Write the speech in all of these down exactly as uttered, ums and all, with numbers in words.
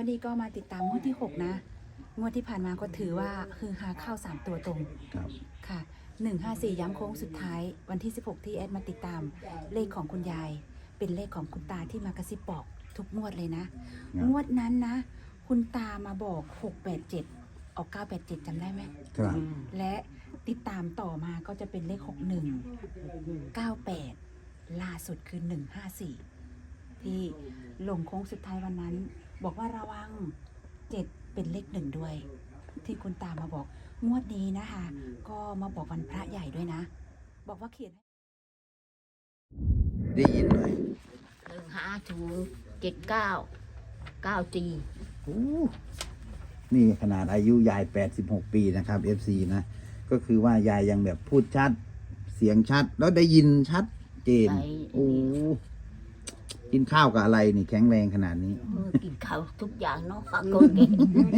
อดีก็มาติดตามงวดที่หกนะงวดที่ผ่านมาก็ถือว่าคือหาเข้าสามตัวตรงครับค่ะหนึ่งห้าสี่ย้ำโค้งสุดท้ายวันที่สิบหกที่แอดมาติดตามเลขของคุณยาย เป็นเลขของคุณตาที่มากระซิบบอกทุกงวดเลยนะ งวดนั้นนะ คุณตามาบอกหกแปดเจ็ดออกเก้าแปดเจ็ดจำได้ไหมครับและติดตามต่อมาก็จะเป็นเลขหกหนึ่งเก้าแปดล่าสุดคือหนึ่งห้าสี่ที่ลงโค้งสุดท้ายวันนั้น บอกว่าระวังเจ็ดเป็นเลขหนึ่งด้วย ที่คุณตามาบอกงวดนี้นะคะ ก็มาบอกวันพระใหญ่ด้วยนะ บอกว่าเขียนได้ยินหน่อยหนึ่งห้าศูนย์เจ็ดเก้าเก้าจีโอ้นี่ขนาดอายุยายแปดสิบหกปีนะครับ เอฟ ซี นะ ก็คือว่ายายยังแบบพูดชัด เสียงชัด แล้วได้ยินชัดเจน โอ้กินข้าวกับอะไรนี่แข็งแรงขนาดนี้มือกินข้าวทุกอย่างเนาะฝากคนเก่ง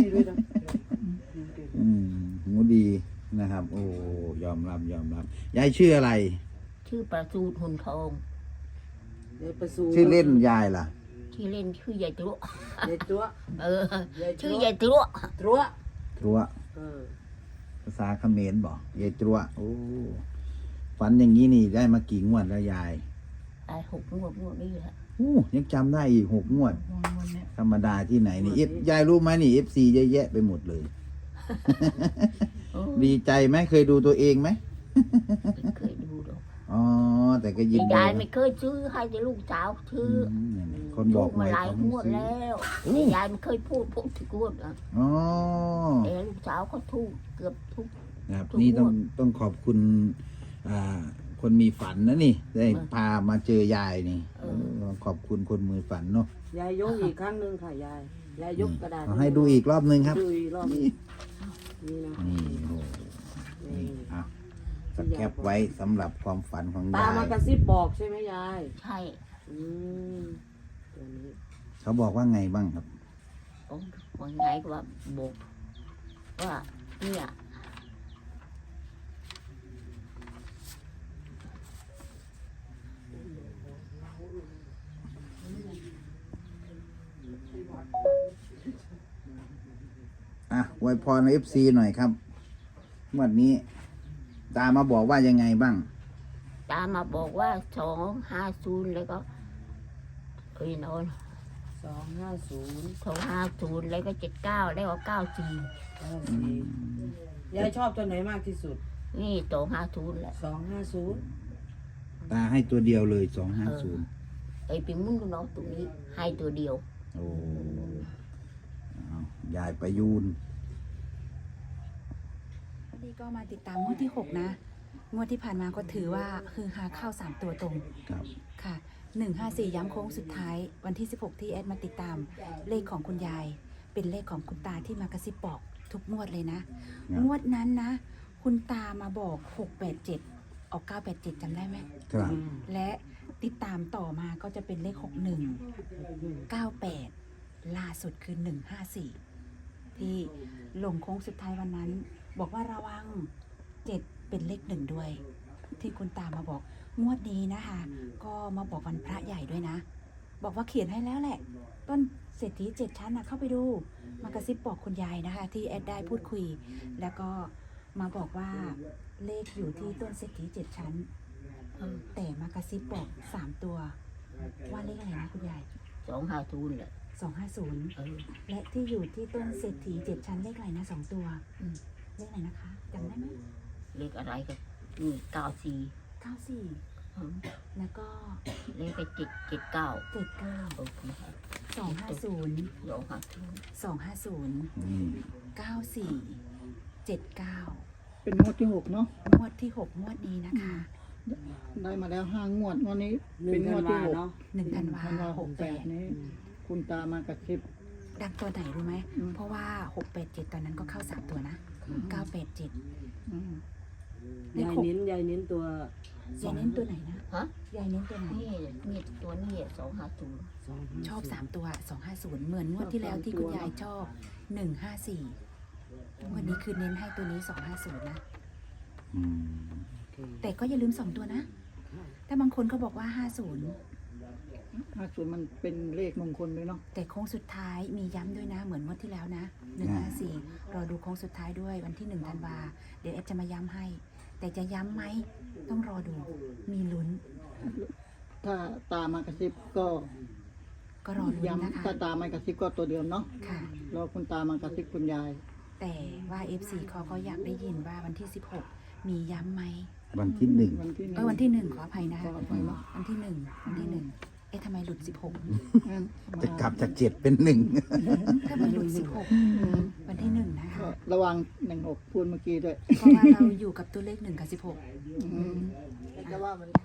อืมหูดีนะครับ โอ้ยอมรับยอมรับ ยายชื่ออะไรชื่อประสูตรหุ่นทองชื่อเล่นยายล่ะที่เล่นชื่อยายตรุยายตัวเออ ชื่อยายตรุตัวตรัวเออภาษาเขมรบอกยายตรัวโอ้ฝันอย่างนี้นี่ได้มากี่งวดแล้วยายไอ้หกงวดงวดนี้แหละโอ้ยังจำได้อีกหกงวด ธรรมดาที่ไหนนี่เอฟยายรู้ไหมนี่เอฟซีเยอะแยะไปหมดเลยโอ้ดีใจไหมเคยดูตัวเองไหมไม่เคยดูหรอกอ๋อ แต่ก็ยินแต่ดียายไม่เคยซื้อให้แต่ลูกสาวซื้ออืมเนี่ยๆคนบถูอกกมาหลายเขงไม่วดซื้อแล้วโอ้แต่ยายไม่เคยพูดพูดถึงงวดอ่ะอ๋อแต่ลูกสาวเขาถูกเกือบทุกครับทุกนี่ต้องงวดต้องขอบคุณอ่าคนมีฝันนะนี่ ได้เออพามาเจอยายนี่เออเออขอบคุณคนมือฝันเนาะยายยกอีกครั้งหนึ่งค่ะยาย ยายยกกระดาษเอาให้ดูอีกรอบหนึงครับดูอีกรอบหนึ่งนี่นะนี่โอ้โหนี่อ่ะสแคปไว้สำหรับความฝันของตายายมากระซิบบอกใช่ไหมยายใช่อืมตัวนี้เขาบอกว่าไงบ้างครับโอ้วันไงก็ว่าบอกว่าเนี่ยอ่ะอวยพรเอฟซีหน่อยครับงวดนี้ ตามาบอกว่ายังไงบ้างตามมาบอกว่าสองห้าศูนย์แล้วก็เอ้ยนอนสองห้าศูนย์สองห้าศูนย์แล้วก็เจ็ดเก้าแล้วก็เก้าสี่เก้าสี่ยายชอบตัวไหนมากที่สุดนี่สองห้าศูนย์แหละสองห้าศูนย์ตาให้ตัวเดียวเลยสองห้าศูนย์ไอ้ปีมุ้งก็น้องตรงนี้ให้ตัวเดียวโอ้เอายายประยูนวันนี้ก็มาติดตามงวดที่หกนะ งวดที่ผ่านมาก็ถือว่าคือหาเข้าสามตัวตรงครับค่ะหนึ่งห้าสี่ย้ำโค้งสุดท้ายวันที่สิบหกที่แอดมาติดตามเลขของคุณยาย เป็นเลขของคุณตาที่มากระซิบบอกทุกงวดเลยนะครับงวดนั้นนะ คุณตามาบอกหกแปดเจ็ดออกเก้าแปดเจ็ดจำได้ไหมครับและติดตามต่อมาก็จะเป็นเลขหกหนึ่งเก้าแปดล่าสุดคือหนึ่งห้าสี่ที่ลงโค้งสุดท้ายวันนั้น บอกว่าระวังเจ็ดเป็นเลขหนึ่งด้วย ที่คุณตามาบอกงวดนี้นะคะ ก็มาบอกวันพระใหญ่ด้วยนะ บอกว่าเขียนให้แล้วแหละ ต้นเศรษฐีเจ็ดชั้นนะเข้าไปดู มากระซิบบอกคุณยายนะคะ ที่แอดได้พูดคุย แล้วก็มาบอกว่าเลขอยู่ที่ต้นเศรษฐีเจ็ดชั้นเออแต่มากระซิบบอกสามตัว ว่าเลขอะไรนะคุณยายสองห้าศูนย์แหละสองห้าศูนย์เออและที่อยู่ที่ต้นเศรษฐีเจ็ดชั้นเลขอะไรนะสองตัวอืมเลขอะไรนะคะจำได้ไหมเลขอะไรก็นี่เก้าสี่เก้าสี่เออแล้วก็เลขก็เจ็ดเจ็ดเก้าเจ็ดเก้าโอเคสองห้าศูนย์สองห้าศูนย์สองห้าศูนย์อืมเก้าสี่เจ็ดเก้าเป็นงวดที่หกเนาะงวดที่หกงวดนี้นะคะได้มาแล้วห้างวดวันนี้หนึ่เป็งนงธัวน ดวาที่หกเนาะหนึ่งธันวาธันวาหหกกแปแปดดนี้ คุณตามากระซิบดังตัวไหนรู้ไหมอืมเพราะว่าหกแปดเจ็ดตอนนั้นก็เข้าสามตัวนะเก้าแปดเจ็ดอืมเลขยายหกเน้นยายเน้นตัวยายเน้นตัวไหนนะฮะยายเน้นตัวไหนนี่นี่ตัวนี้สองห้าศูนย์สองห้าชอบสามตัวสองห้าศูนย์เหมือนงวดที่แล้วที่คุณยายชอบหนึ่งห้าสี่วันนี้คือเน้นให้ตัวนี้สองห้าศูนย์นะอืมโอเคแต่ก็อย่าลืมสองตัวนะ แต่บางคนก็บอกว่าห้าศูนย์ห้าศูนย์มันเป็นเลขมงคลเลยเนาะแต่โค้งสุดท้ายมีย้ำด้วยนะ เหมือนงวดที่แล้วนะหนึ่งห้าสี่รอดูโค้งสุดท้ายด้วยวันที่หนึ่งธันวาเดี๋ยวเอฟจะมาย้ำให้ แต่จะย้ำไหมต้องรอดูมีลุ้นถ้าตามากระซิบก็ก็รอลุ้นนะคะย้ำถ้าตามากระซิบก็ตัวเดียวเนาะค่ะรอคุณตามากระซิบคุณยายแต่ว่า เอฟ ซี เขาก็อยากได้ยินว่าวันที่สิบหกมีย้ำไหมวันที่หนึ่งวันที่หนึ่งเออวันที่หนึ่งขออภัยนะขออภัยเนอะวันที่หนึ่งวันที่หนึ่งเอ๊ะทำไมหลุดสิบหกงั้นมาจะกลับจากเจ็ดเป็นหนึ่งถ้ามันหลุดสิบหกวันที่หนึ่งนะคะก็ระวังหนึ่งหกพูดเมื่อกี้ด้วยเพราะว่าเราอยู่กับตัวเลขหนึ่งกับสิบหกอืมแต่ว่ามัน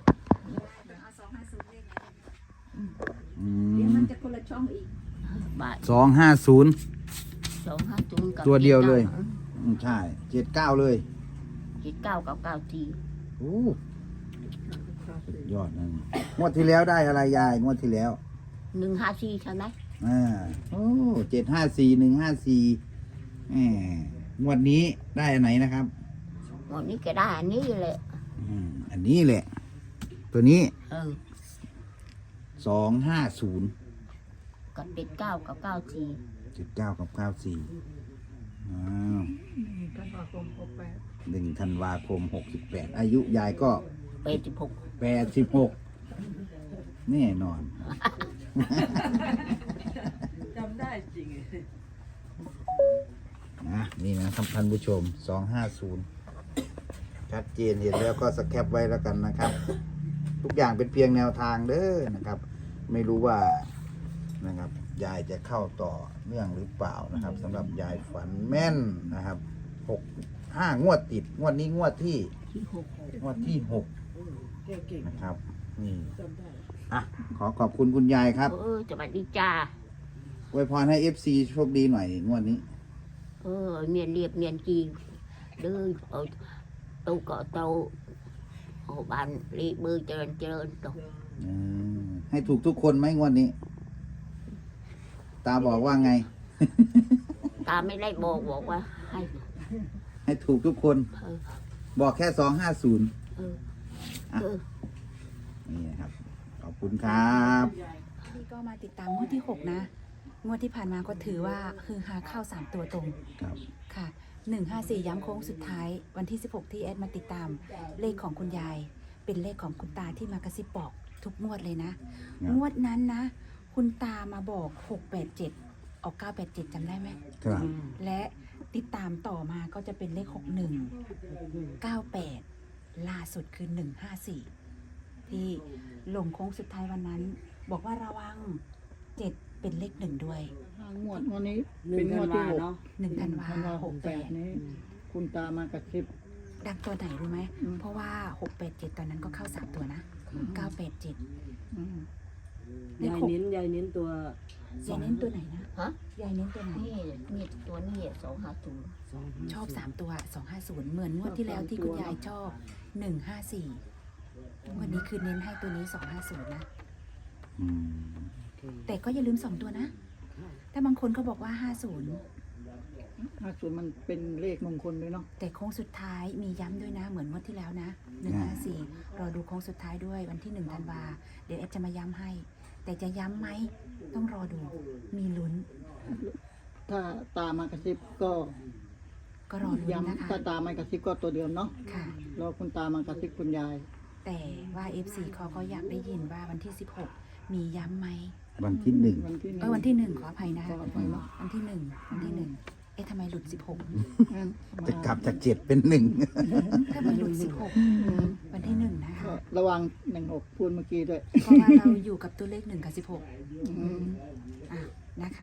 อืเดี๋ยวมมันจะคนละช่องอีกบาทสองห้าศูนย์สองห้าศูนย์กับตัวเดียวเลยจ็ก้าอืมใช่เจ็ดเก้าเลยเจ็ดเก้ากับเก้าสี่โอ้ยอดนั่นงวดที่แล้วได้อะไรยายงวดที่แล้วหนึ่งห้าสี่ใช่ไหมอ่าโอ้เจ็ดห้าสี่หนึ่งห้าสี่แหมงวดนี้ได้อันไหนนะครับวันนี้ก็ได้อันนี้แหละอืมอันนี้แหละ ตัวนี้เออสองห้าศูนย์กับเจ็ดเก้ากับเก้าสี่เจ็ดเก้ากับเก้าสี่อ้าวธันวาคมหกแปดหนึ่งธันวาคมหกสิบแปดอายุยายก็แปดสิบหกแปดสิบหกแน่นอนจำได้จริงนะนี่นะครับท่านผู้ชมสองห้าศูนย์ชัดเจนเห็นแล้วก็สแคปไว้แล้วกันนะครับ ทุกอย่างเป็นเพียงแนวทางเด้อนะครับ ไม่รู้ว่านะครับยายจะเข้าต่อเนื่องหรือเปล่านะครับสำหรับยายฝันแม่นนะครับหกห้างวดติดงวดนี้งวดที่ที่หกงวดที่หกเก่งนะครับนี่ๆจำได้อ่ะขอขอบคุณคุณยายครับเออสวัสดีจ้าอวยพรให้เอฟซีโชคดีหน่อยงวดนี้เออเมียนเรียบเมียนจีเด้อเอาตูเกาะเตาเอาบานรีบมือเจริญเจริญตกอืมให้ถูกทุกคนไหมงวดนี้ ตาบอกว่าไงตาไม่ได้บอกบอกว่าให้ให้ถูกทุกคนเออบอกแค่สองห้าศูนย์เออเออนี่นะครับ ขอบคุณครับนี่ก็มาติดตามงวดที่หกนะ งวดที่ผ่านมาก็ถือว่าคือหาเข้าสามตัวตรงครับค่ะหนึ่งห้าสี่ย้ำโค้งสุดท้าย วันที่สิบหกที่แอดมาติดตามเลขของคุณยาย เป็นเลขของคุณตาที่มากระซิบบอกทุกงวดเลยนะครับงวดนั้นนะ คุณตามาบอกหกแปดเจ็ดออกเก้าแปดเจ็ดจำได้ไหมครับและติดตามต่อมาก็จะเป็นเลขหกหนึ่งเก้าแปดล่าสุดคือหนึ่งห้าสี่ที่ลงโค้งสุดท้ายวันนั้น บอกว่าระวังเจ็ดเป็นเลขหนึ่งด้วยห้างวดวันนี้หนึ่เป็งนงธัวน ดวาที่หกเนาะหนึ่งธันวาธันวาหหกกแปแปดดนี้ คุณตามากระซิบดังตัวไหนรู้ไหมอืมเพราะว่าหกแปดเจ็ดตอนนั้นก็เข้าสามตัวนะเก้าแปดเจ็ดอืมเลขยายหกเน้นยายเน้นตัวยายเน้นตัวไหนนะฮะยายเน้นตัวไหนนี่นี่ตัวนี้สองห้าศูนย์สองชอบสามตัวสองห้าศูนย์เหมือนงวดที่แล้วที่คุณยายชอบหนึ่งห้าสี่วันนี้คือเน้นให้ตัวนี้สองห้าศูนย์นะอืมแต่ก็อย่าลืมสองตัวนะ แต่บางคนก็บอกว่าห้าศูนย์ห้าศูนย์มันเป็นเลขมงคลเลยเนาะแต่โค้งสุดท้ายมีย้ำด้วยนะ เหมือนงวดที่แล้วนะหนึ่งห้าสี่รอดูโค้งสุดท้ายด้วยวันที่หนึ่งธันวาเดี๋ยวแอฟจะมาย้ำให้ แต่จะย้ำไหมต้องรอดูมีลุ้นถ้าตามากระซิบก็ก็รอลุ้นนะคะย้ำถ้าตามากระซิบก็ตัวเดียวเนาะค่ะรอคุณตามากระซิบคุณยายแต่ว่า เอฟ ซี เขาก็อยากได้ยินว่าวันที่สิบหกมีย้ำไหมวันที่หนึ่งวันที่หนึ่งเออวันที่หนึ่งขออภัยนะขออภัยเนอะวันที่หนึ่งวันที่หนึ่งเอ๊ะทำไมหลุดสิบหกงั้นมาจะกลับจากเจ็ดเป็นหนึ่งถ้ามันหลุดสิบหกอืมวันที่หนึ่งนะคะก็ระวังหนึ่งหกพูดเมื่อกี้ด้วยเพราะว่าเราอยู่กับตัวเลขหนึ่งกับสิบหกอืมอ่ะนะคะ